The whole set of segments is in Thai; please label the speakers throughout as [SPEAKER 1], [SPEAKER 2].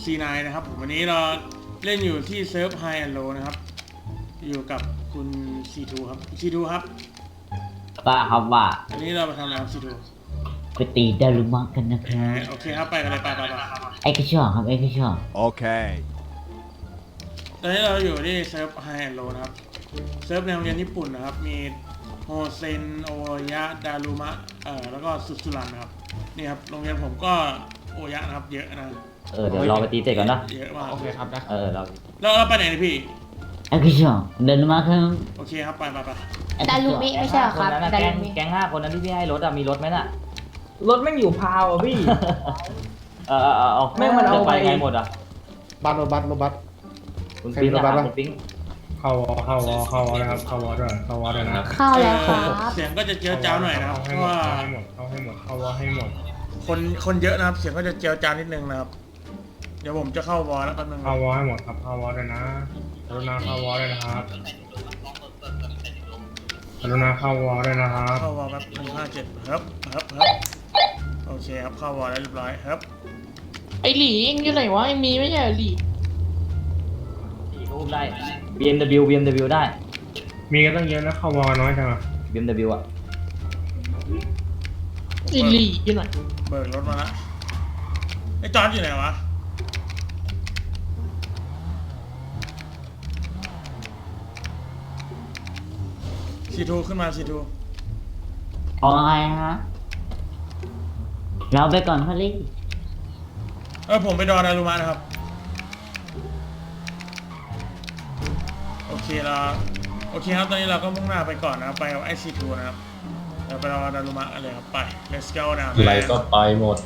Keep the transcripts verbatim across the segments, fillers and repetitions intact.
[SPEAKER 1] ซี ไนน์ นะครับผมวันนี้เราเล่นอยู่ที่เซิร์ฟ High and Low นะครับอยู่กับคุณ ซี ทู ครับ ซี ทู ครับ
[SPEAKER 2] ว่าครับว่า
[SPEAKER 1] อันนี้เรามาทำอะไรครับ ซี ทู
[SPEAKER 2] ไปตีดารุมะกันนะครับ
[SPEAKER 1] โอเคครับไปกันเลยไปไปไป
[SPEAKER 2] ไอ้กระชอกครับไอ้กระชอก
[SPEAKER 3] Okay.
[SPEAKER 1] ตอนนี้เราอยู่ที่เซิร์ฟ High and Low นะครับเซิร์ฟในโรงเรียนญี่ปุ่นนะครับมีโฮเซนโอยะดารุมะเอ่อแล้วก็สุสุรันนะครับนี่ครับโรงเรียนผมก็โอยะนะครับเยอะนะ
[SPEAKER 2] เออเดี๋ยวรอไปตีเสร็จก่อนนะ
[SPEAKER 1] เยอะมาก
[SPEAKER 4] โอเคครับนะ
[SPEAKER 2] เออเรา
[SPEAKER 1] แล้วเราไปไหนเนี่ยพี่
[SPEAKER 2] ไอ้กระชอกดารุมะครับ
[SPEAKER 1] โอเคครับไปไปไป
[SPEAKER 5] ดารุมิไม่ใช่เหรอครับ
[SPEAKER 2] นนั้นน่ะ
[SPEAKER 5] ดา
[SPEAKER 2] แก๊
[SPEAKER 5] รุ
[SPEAKER 2] ง
[SPEAKER 5] มิ
[SPEAKER 2] แก๊งห้าคนนั้นที่พี่ให้รถอะมีรถไหมน่ะ
[SPEAKER 4] รถแม่งอยู่พาวอ่ะพี่
[SPEAKER 2] เออเออเออเอา
[SPEAKER 4] แม่งมันเอา
[SPEAKER 2] จะไป
[SPEAKER 4] ไป
[SPEAKER 2] ไงหมดอ่ะ
[SPEAKER 6] บัตรรถบัตรรถบัตร
[SPEAKER 2] คุณ
[SPEAKER 6] ใคร
[SPEAKER 2] ปิ๊ง
[SPEAKER 6] มีรถบัส
[SPEAKER 2] อะ
[SPEAKER 6] บ้าง
[SPEAKER 2] คุณปิ๊ง
[SPEAKER 6] เข้าวอเข้าวอเข้าวอนะครับเข้าวอด้วยเข้าวอด้วยนะ
[SPEAKER 5] เข้าแล้วครับ
[SPEAKER 1] เสียงก็จะเจียวจ้าวหน่อยนะครับเพ
[SPEAKER 6] ให้
[SPEAKER 1] ราะ
[SPEAKER 6] หมด
[SPEAKER 1] ว่า
[SPEAKER 6] เข้าให้หมดเข้าให้หมดเข้าวอให้หมด
[SPEAKER 1] คนคนเยอะนะครับเสียงก็จะเจียวจ้าวนิดนึงนะครับเดี๋ยวผมจะเข้าวอลแล้วแป๊บนึง
[SPEAKER 6] เข้าวอให้หมดครับเข้าวอด้วยนะกรุณาเข้าวอด้วยนะครับกรุณาเข้าวอด้วยนะครับ
[SPEAKER 1] เข้าวอลแป๊บหนึ่งห้าเจ็ดครับครับครับโอเคครับเข้าวอลแล้วเรียบร้อยครับ
[SPEAKER 7] ไอหลีเองอยู่ไหนวะไอมีไม่ใช่เหรอหลี
[SPEAKER 2] ที่รูปได้ บี เอ็ม ดับเบิลยู บี เอ็ม ดับเบิลยู ได้
[SPEAKER 6] มีกันตั้งเยอะนะเข้าวอน้อยจังอ่ะ
[SPEAKER 2] บี เอ็ม ดับเบิลยู อ่ะ
[SPEAKER 7] ไอหลีอยู่ไหน
[SPEAKER 1] เบิกรถมาละไอ้จอร์จอยู่ไหนวะซีทูขึ้นมาซีทู
[SPEAKER 2] เอาไงฮะเราไปก่อนพอลี่
[SPEAKER 1] เออผมไปดอนอารุมานะครับโอเคเราโอเคครับตอนนี้เราก็มุ่งหน้าไปก่อนนะครับไปกับไอซีทูนะครับเดี๋ยวไปรอดารุมะกันเลยครับไป let's go now
[SPEAKER 8] อะไรก็ไปหมด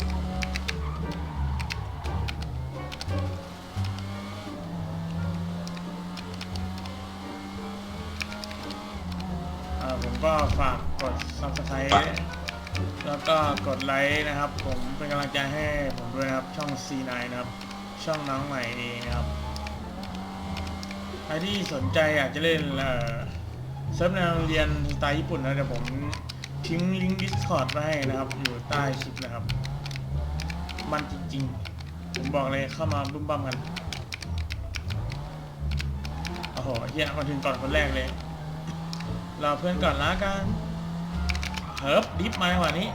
[SPEAKER 1] อ่าผมก็ฝากกด subscribe แล้วก็กดไลค์นะครับผมเป็นกำลังใจให้ผมด้วยนะครับช่อง ซี ไนน์ นะครับช่องน้องใหม่เองนะครับใครที่สนใจอยากจะเล่นเอ่อเซิร์ฟในโรงเรียนสไตล์ญี่ปุ่นนะเดี๋ยวผมทิ้งลิงก์ Discord ไว้ให้นะครับอยู่ใต้คลิปนะครับมันจริงๆผมบอกเลยเข้ามาบุ้มบั้มกันโอ้โหเฮียมาถึงก่อนคนแรกเลยรอเพื่อนก่อนละกันเฮิร์บดิฟมาจังหวะนี้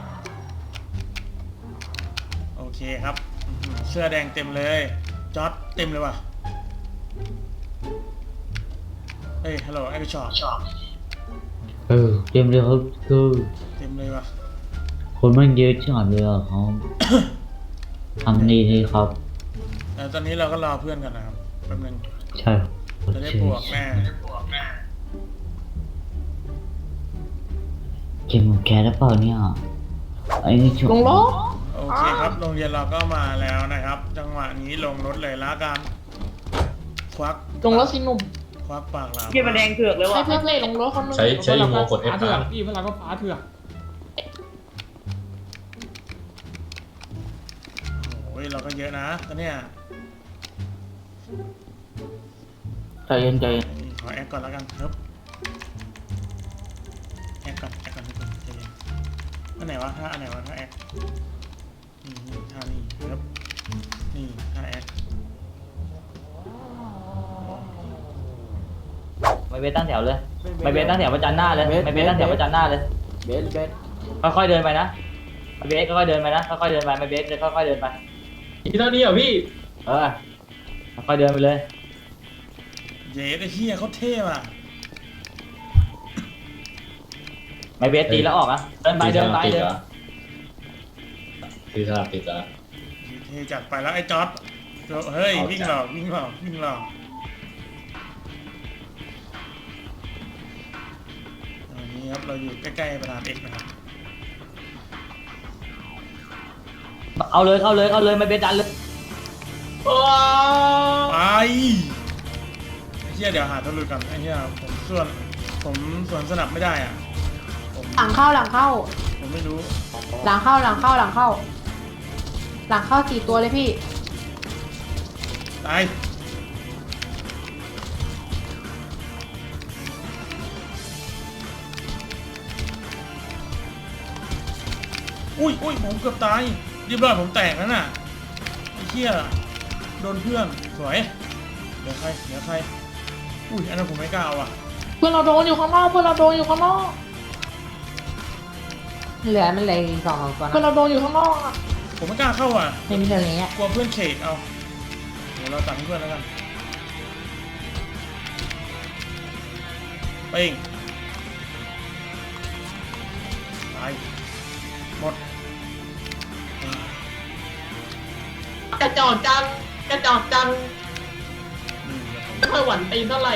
[SPEAKER 1] โอเคครับอื้อหือเสื้อแดงเต็มเลยจอร์ดเต็มเลยว่ะเฮ้ยฮัลโหลไอ้พี่ชอต
[SPEAKER 2] เออเต็มเลยครับคือ
[SPEAKER 1] เต็มเลยว่ะ
[SPEAKER 2] คนมันเยอะจังเลยอ่ะครับ ทำดีเลยครับ
[SPEAKER 1] แต่ตอนนี้เราก็รอเพื่อนกันนะครับแป๊บนึง
[SPEAKER 2] ใช่
[SPEAKER 1] จะได้บวกแน่
[SPEAKER 2] เกมของแกหรือเปล่าเนี่ยไอ้นี่ช
[SPEAKER 7] ลงรถ
[SPEAKER 1] โอเคครับโรงเรียนเราก็มาแล้วนะครับ จังหวะนี้ลงรถเลยละกันควัก
[SPEAKER 7] ลงรถสิหนุ่ม
[SPEAKER 1] ควักปากหลาม
[SPEAKER 4] เกียร์มันแดงเถือกเลย
[SPEAKER 7] ให้
[SPEAKER 4] ว่ะ
[SPEAKER 7] เพื่อนเล่ลงรถเขาหนึ่ง
[SPEAKER 8] ใช้ใช้อีโมกด F
[SPEAKER 4] ฟ้าเถือ
[SPEAKER 8] ค้าก ง
[SPEAKER 4] พี่พลังก็ฟ้าเถือก
[SPEAKER 1] โอ้ยเราก็เยอะนะตอนเนี้ย
[SPEAKER 2] ใจเย็นใจเย็น
[SPEAKER 1] ขอแอคก่อนแล้วกันครับแอคก่อนแอคก่อนทุกคนใจเย็นอันไหนวะถ้าอันไหนวะถ้าแอคนี่นี่ท่านี่ครับนี่ท่าแอค
[SPEAKER 2] ไม่เบสตั้งแถวเลยไม่เบสตั้งแถวประจันหน้าเลยไม่เบสตั้งแถวประจันหน้าเลย
[SPEAKER 4] เบสเบส
[SPEAKER 2] ค่อยๆเดินไปนะไม่เบสค่อยๆเดินไปนะค่อยๆเดินไปไม่เบสเลยค่อยๆเดินไป
[SPEAKER 8] อีเท่านี้เหรอพี่
[SPEAKER 2] เออค่อยๆเดินไปเลย
[SPEAKER 1] เย้ไอ้เฮียเขาเท่ว่ะ
[SPEAKER 2] ไม่เบสตีแล้วออกอ่ะเดินไปเดินไปเดิน
[SPEAKER 8] ตีสลับติดอ่ะ
[SPEAKER 1] เท่จัดไปแล้วไอ้จอร์ดเฮ้ยวิ่งหลอกวิ่งหลอกวิ่งหลอกตอนนี้ครับเราอยู่ใกล้ๆประธานเอกนะครับ
[SPEAKER 2] เอาเลยเอาเลยเอาเลยไม่เบสดันเลย
[SPEAKER 1] ไปไอ้เหี้ยเดี๋ยวหาตัวหลุดก่อนไอ้เหี้ยผมส่วนผมส่วนสนับไม่ได้อ่ะผม
[SPEAKER 5] หลังเข้าหลังเข้า
[SPEAKER 1] ผมไม่รู้
[SPEAKER 5] หลังเข้าหลังเข้าหลังเข้า หลังเข้าสี่ตัวเลยพี่
[SPEAKER 1] ตายอุ้ยอุ้ยผมเกือบตายเรียบร้อยผมแตกแล้วน่ะไอ้เหี้ยโดนเพื่อนสวยเดี๋ยวใครเดี๋ยวใครอุ้ยอันนั้นผมไม่กล้าเอาอ่ะ
[SPEAKER 7] เพื่อนเราโดนอยู่ข้างนอกเพื่อนเราโดนอยู่ข้างนอก
[SPEAKER 5] เหลือมันเหลยสองสองตัว
[SPEAKER 7] เพื่อน
[SPEAKER 5] นะ
[SPEAKER 7] เราโดนอยู่ข้างนอกอะ
[SPEAKER 1] ผมไม่กล้าเข้าอ่ะ
[SPEAKER 5] ไม่มีเรื่องอย่างเงี้ย
[SPEAKER 1] กลัวเพื่อนเขกเอาเดี๋ยวเราตัดให้เพื่อนแล้วกันไปเองตายหมด
[SPEAKER 7] กระจอกจังกระจอกจัง
[SPEAKER 1] อืมเดี๋ยวผม
[SPEAKER 7] ไม่ค่อยหวั่นตีนเท่าไหร่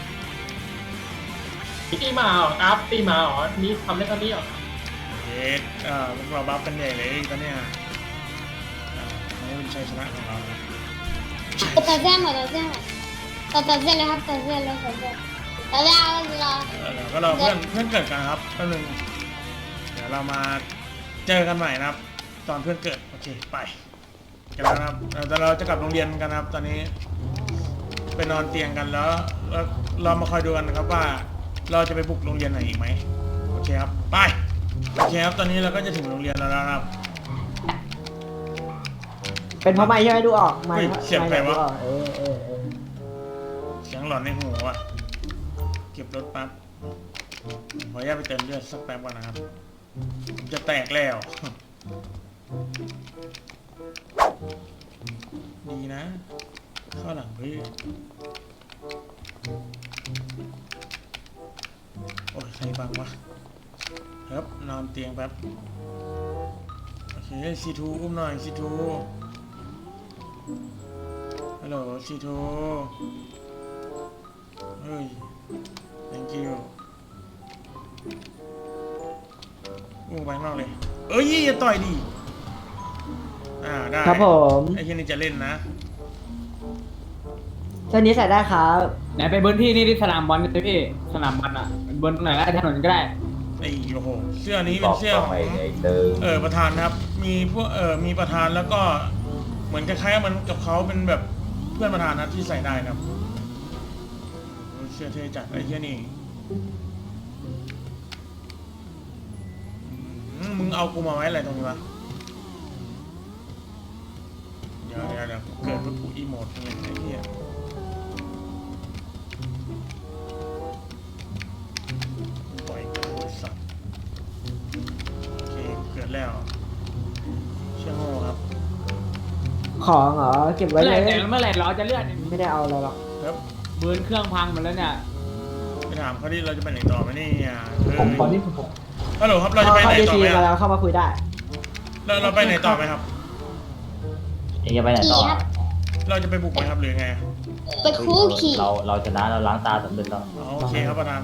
[SPEAKER 7] ตีมาเหรอครับตีมาเหรอนี่ทำได้เท่านี้เหรอ
[SPEAKER 1] เย็ดอ่าพวกเราบัฟกันใหญ่เลยตอนเนี้ยอ่าอันนี้เป็นชัยชนะของเรานะ
[SPEAKER 3] ตัดเส้นหมดตัดเส้นหมดตัดตัดเส้นเลยครับตัดเส้นเลยตัดเส้นตัดเส้นเอารอ
[SPEAKER 1] เออเราก็รอเพื่อนเพื่อนเกิดกันครับแป๊บนึงเดี๋ยวเรามาเจอกันใหม่นะครับ ตอนเพื่อนเกิดโอเคไปกันแล้วนะครับเออแต่เราจะกลับโรงเรียนกันนะครับ ตอนนี้ไปนอนเตียงกันแล้วแล้วเรามาคอยดูกันนะครับว่าเราจะไปบุกโรงเรียนไหนอีกไหมโอเคครับไปโอเคครับตอนนี้เราก็จะถึงโรงเรียนแล้วนะครับ
[SPEAKER 5] เป็นเพราะไม่ใช่ไหมดูออกไม่
[SPEAKER 1] เฮ้ยเสียงใครวะ
[SPEAKER 5] ดูออกเออเออเออ
[SPEAKER 1] เสียงหลอนในหูอ่ะเก็บรถแป๊บผมขออนุญาตไปเติมเลือดสักแป๊บก่อนนะครับผมจะแตกแล้ว ดีนะ เข้าหลังเพื่อนโอ้ยใครบังวะครับนอนเตียงแป๊บ โอเคซีทูอุ้มหน่อยซีทูฮัลโหลซีทูเฮ้ย thank you อุ้มไปข้างนอกเลย เอ้ยอย่าต่อยดิอ่าได้
[SPEAKER 5] ครับผม
[SPEAKER 1] ไอ้ที่นี่จะเล่นนะ
[SPEAKER 5] เส้นนี้ใส่ได้ครับ
[SPEAKER 4] ไหนไปเบิร์นที่นี่ที่สนามบอลกันพี่สนามบอลอ่ะเบิร์นตรงไหนก็ได้ถนนก็ได้
[SPEAKER 1] ไอ้โอ้โหเสื้อนี้เป็นเสื้อของเออประธานนะครับ มีพวกเออมีประธานแล้วก็เหมือนคล้ายๆเหมันกับเขาเป็นแบบเพื่อนประธานนะที่ใส่ได้นะครับโอ้ยเสื้อเท่จัดไอ้เหี้ยนี่อืมมึงเอากูมาไว้อะไรตรงนี้วะเดี๋ยวเดี๋ยวเดี๋ยวเกิดปุ๊บกูอีโมดเลยไอ้เหี้ยปล่อยกูไอ้สัตว์โอเคเกิดแล้วเชี่ยโง่ครับ
[SPEAKER 5] ของเหรอเก็บไว้
[SPEAKER 4] เมื่อไห
[SPEAKER 5] เล
[SPEAKER 4] ร่
[SPEAKER 5] ย
[SPEAKER 4] แต่เมื่อไหร่เราจะเลื่อน
[SPEAKER 5] ไม่ได้เอาอะไรหรอก
[SPEAKER 1] ครับ
[SPEAKER 4] เบิร์นเครื่องพังหมดแล้วเนี่ย
[SPEAKER 1] ไปถามเขาดิเราจะไปไหนต่อไหมเนี่ยเฮ้ย
[SPEAKER 6] ผมตอนนี้ผม
[SPEAKER 1] ฮัลโหลครับเราจะไป
[SPEAKER 5] เข้า
[SPEAKER 1] ไหน
[SPEAKER 5] ดี
[SPEAKER 1] ต่อ
[SPEAKER 5] ที
[SPEAKER 1] ไหม
[SPEAKER 5] มา
[SPEAKER 1] อะ
[SPEAKER 5] แล้วเข้ามาคุยได้
[SPEAKER 1] เราเราไปไหนต่อไหมครับ
[SPEAKER 2] เองจะไปไหนต่อ
[SPEAKER 3] ขี่ครับ
[SPEAKER 1] เราจะไปบุกไหมครับหรือไง
[SPEAKER 3] ไปคู่ขี่
[SPEAKER 2] เราเราชนะเราล้างตาสำเร็จแล้ว
[SPEAKER 1] อ๋อโอเคครับประธาน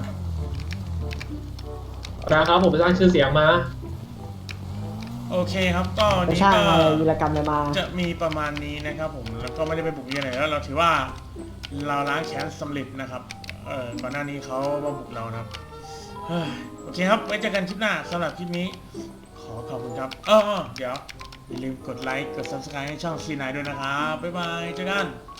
[SPEAKER 7] นะครับผมไปสร้างชื่อเสียงมา
[SPEAKER 1] โอเคครับก็วัน
[SPEAKER 5] ไป
[SPEAKER 1] นี้
[SPEAKER 5] ช่าง
[SPEAKER 1] ก็
[SPEAKER 5] อะไรวีรกรรมอะไรมา
[SPEAKER 1] จะมีประมาณนี้นะครับผมแล้วก็ไม่ได้ไปบุกยังไงแล้วเราถือว่าเราล้างแค้นสำเร็จนะครับเออก่อนหน้านี้เขามาบุกเรานะครับเฮ้ยโอเคครับไว้เจอกันคลิปหน้าสำหรับคลิปนี้ ขอขอบคุณครับเออเออเดี๋ยวอย่าลืมกดไลค์กด ซับสไครบ์ ให้ช่องซีไนด้วยนะครับบ๊ายบายเจอกัน